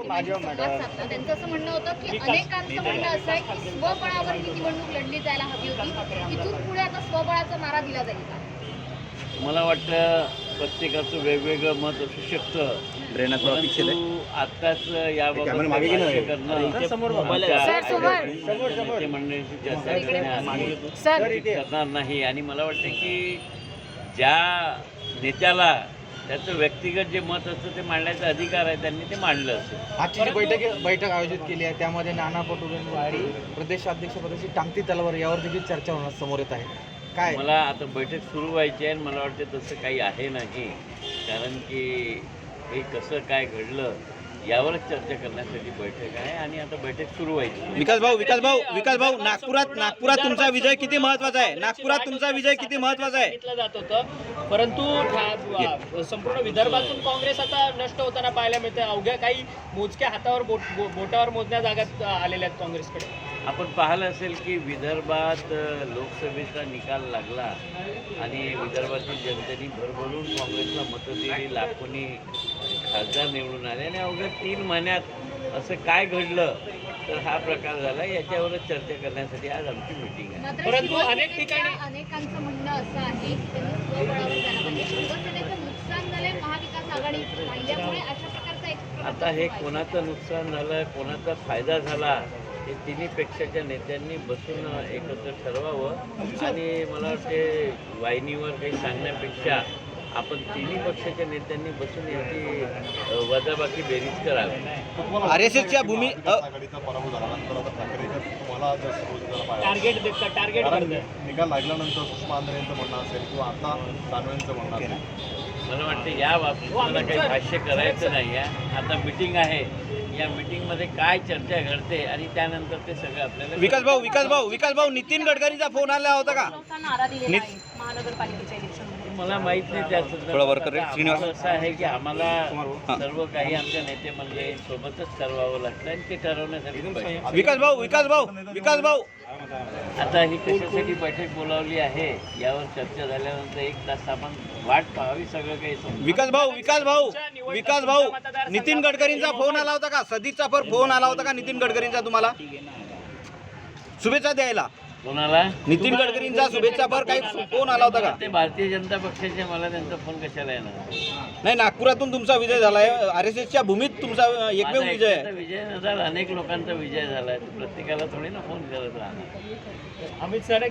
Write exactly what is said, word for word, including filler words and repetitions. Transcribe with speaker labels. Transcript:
Speaker 1: माध्यमांशी संवाद साधला. त्यांचं असं म्हणणं होतं की अनेकांचं म्हणणं असं आहे की स्वबळावर ही निवडणूक लढली जायला हवी होती. इथून पुढे आता स्वबळाचा मारा दिला जाईल का?
Speaker 2: मला वाटतं प्रत्येकाचं वेगवेगळं मत असू शकतं. परंतु आत्ताच याबाबत भाष्य करणं नेते मंडळींशी चर्चा करण्याआधी करणार नाही. आणि मला वाटतं की ज्या नेत्याला त्याचं व्यक्तिगत जे मत असतं ते मांडण्याचा अधिकार आहे, त्यांनी ते मांडलं असेल.
Speaker 3: आजची जी बैठक बैठक आयोजित केली आहे त्यामध्ये नाना पटोले प्रदेशाध्यक्षपदाची टांगती तलवार यावर देखील चर्चा होणार समोर येत आहे. काय
Speaker 2: मला आता बैठक सुरू व्हायची आहे आणि मला वाटतं तसं काही आहे नाही. कारण की हे कसं काय घडलं यावरच चर्चा करण्यासाठी बैठक आहे आणि आता बैठक सुरू व्हायची.
Speaker 4: विकास भाऊ विकास भाऊ विकास भाऊ नागपुरात नागपुरात तुमचा विजय किती महत्त्वाचा आहे? नागपुरात तुमचा विजय किती महत्त्वाचा आहे?
Speaker 5: सांगितलं जात होतं, परंतु संपूर्ण विदर्भातून काँग्रेस आता नष्ट होताना पाहायला मिळते. अवघ्या काही मोजक्या हातावर बोट बो- बोटावर मोजण्या जागात आलेल्या आहेत काँग्रेसकडे.
Speaker 2: आपण पाहिलं असेल की विदर्भात लोकसभेचा निकाल लागला आणि विदर्भातील जनतेने भरभरून काँग्रेसला मतं दिली, लाखोनी खासदार निवडून आले आणि अवघ्या तीन महिन्यात असं काय घडलं तर हा प्रकार झाला. याच्यावरच चर्चा करण्यासाठी आज आमची मीटिंग आहे.
Speaker 1: मात्र
Speaker 5: परंतु अनेक
Speaker 1: शिवसेनेच्या
Speaker 5: ठिकाणी-
Speaker 1: अनेकांचं म्हणणं असं आहे की त्यांनी स्वबळावर जायला पाहिजे. शिवसेनेचं नुकसान झालंय महाविकास आघाडी राहिल्यामुळे अशा प्रकारचा एक
Speaker 2: आता हे कोणाचं नुकसान झालं, कोणाचा फायदा झाला हे तिन्ही पेक्षाच्या नेत्यांनी बसून एकत्र ठरवावं. आणि मला वाटते वाहिनीवर काही सांगण्यापेक्षा आपण तिन्ही पक्षाच्या नेत्यांनी बसून याची वजाबाकी बेरीज करावी.
Speaker 4: आर एस एसच्या भूमी अ,
Speaker 6: आघाडीचा पराभव झाल्यानंतर आता ठाकरेच्या तुम्हाला जर सर्वोच्च पाहिजे
Speaker 5: टार्गेट देतात टार्गेट
Speaker 6: कारण
Speaker 5: करतात.
Speaker 6: निकाल लागल्यानंतर सुषमा आंध्रे यांचं म्हणणं असेल किंवा आता दानवेंचं म्हणणं असेल.
Speaker 2: मला वाटतं या बाबतीत मला काही भाष्य करायचं नाही आहे. आता मिटिंग आहे, या मिटिंगमध्ये काय चर्चा घडते आणि त्यानंतर ते सगळं आपल्याला
Speaker 4: विकास भाऊ विकास भाऊ विकास भाऊ नितीन गडकरींचा फोन आला होता का?
Speaker 1: नारा दिलेला
Speaker 4: नित-
Speaker 1: आहे महानगरपालिकेच्या इलेक्शनमध्ये.
Speaker 2: मला माहित नाही त्या
Speaker 4: थोडा वर कर रे, श्रीनिवास.
Speaker 2: संदर्भात. असं आहे की आम्हाला सर्व काही आमच्या नेते मंडळी सोबतच ठरवावं लागतं आणि ते ठरवण्यासाठी बैठक.
Speaker 4: विकास भाऊ विकास भाऊ विकास भाऊ
Speaker 2: आता ही कशासाठी बैठक बोलावली आहे यावर चर्चा झाल्यानंतर एक तास आपण वाट पाहावी, सगळं काही समजून.
Speaker 4: विकास भाऊ विकास भाऊ विकास भाऊ नितीन गडकरींचा फोन आला होता का? सदीचा पर फोन आला होता का नितीन गडकरींचा तुम्हाला शुभेच्छा द्यायला?
Speaker 2: कोणाला?
Speaker 4: नितीन गडकरींचा शुभेच्छा पर काही फोन आला होता का?
Speaker 2: ते भारतीय जनता पक्षाचे, मला त्यांचा फोन कशाला येणार?
Speaker 4: नाही, नागपुरातून तुमचा विजय झालाय. आर एस एसच्या भूमीत तुमचा एकमेव
Speaker 2: माझा
Speaker 4: विजय आहे.
Speaker 2: एकट्याचा विजय न झाला, अनेक लोकांचा विजय झाला. प्रत्येकाला थोडी ना फोन करत राहणार.
Speaker 5: अमित सर